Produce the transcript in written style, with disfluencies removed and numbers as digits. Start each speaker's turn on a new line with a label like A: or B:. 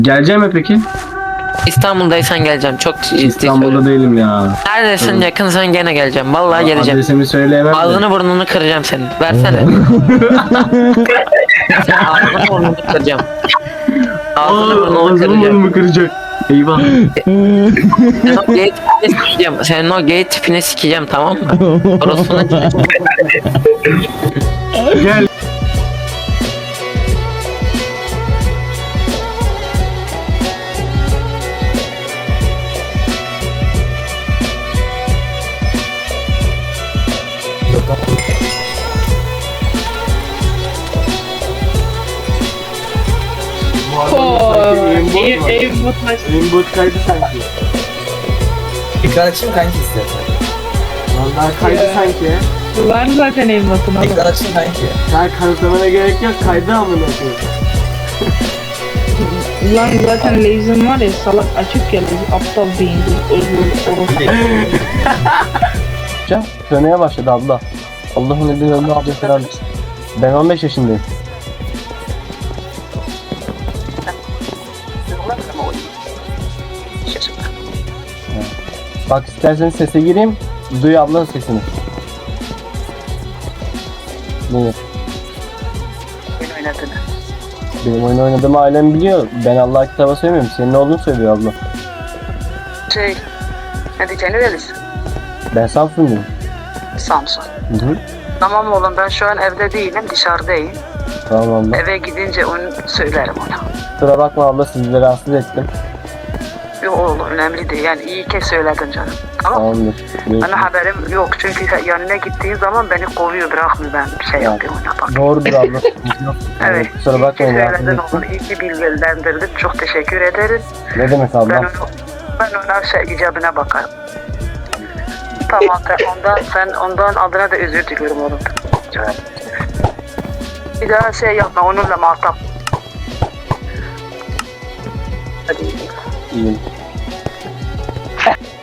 A: Geleceğim mi peki?
B: İstanbul'daysan geleceğim. Çok ciddi
A: İstanbul'da
B: söylüyorum.
A: değilim ya.
B: Neredesin,
A: Evet.
B: yakınsan gene geleceğim. Vallahi geleceğim.
A: Adresimi söyleyemem de.
B: Ağzını burnunu kıracağım senin. Versene. Sen ağzını burnunu kıracağım. Ağzını burnunu
A: Ağzımı
B: kıracağım.
A: burnumu kıracak. Eyvah.
B: Senin o gay tipini sikeceğim. Senin o gay tipini sikeceğim, tamam mı? Orospu'nun
A: Gel. Aimbot kaydı sanki.
C: Ekran açayım kanki istersen.
A: Vallahi kaydı sanki.
D: Var zaten elmasın ama.
C: Ekran açayım kanki.
A: Sen kanıtlamana gerek yok. Kaydı amına koyayım.
D: Lan zaten laser'ın var ya, salak açık ya, aptal beyinli.
E: Sönmeye başladı abla. Allah'ın izniyle önüne abla falan. Ben 15 yaşındayım. Bak isterseniz sese gireyim. Duy ablanın sesini. Ne? Benim oyun oynadığımı ailem biliyor. Ben Allah kitaba söylemiyorum. Senin ne olduğunu söylüyor abla.
F: Ne diyeceğini verirsin.
E: Ben Samsun'dayım.
F: Samsun.
E: Hı hı.
F: Tamam oğlum, ben şu an evde değilim, dışarıdayım.
E: Tamam abla.
F: Eve gidince onu söylerim ona.
E: Kusura bakma abla, sizi de rahatsız ettim.
F: Yok oğlum, önemli değil. Yani iyi ki söyledin canım. Tamam.
E: Tamamdır.
F: Bana haberim yok çünkü yanına gittiğin zaman beni kovuyor, bırakmıyor, ben bir şey yapıyorum ona bak.
E: Doğrudur abla.
F: Evet.
E: Kusura
F: İyi ki
E: bakmayın, rahatsız
F: söyledin
E: ettim.
F: oğlum, iyi ki bilgilendirdin. Çok teşekkür ederiz.
E: Ne demek abla?
F: Ben ona icabına bakarım. Tamam, ondan adına da özür diliyorum oğlum. Bir daha yapma, onunla muhatap. Hadi.
E: İyiyim.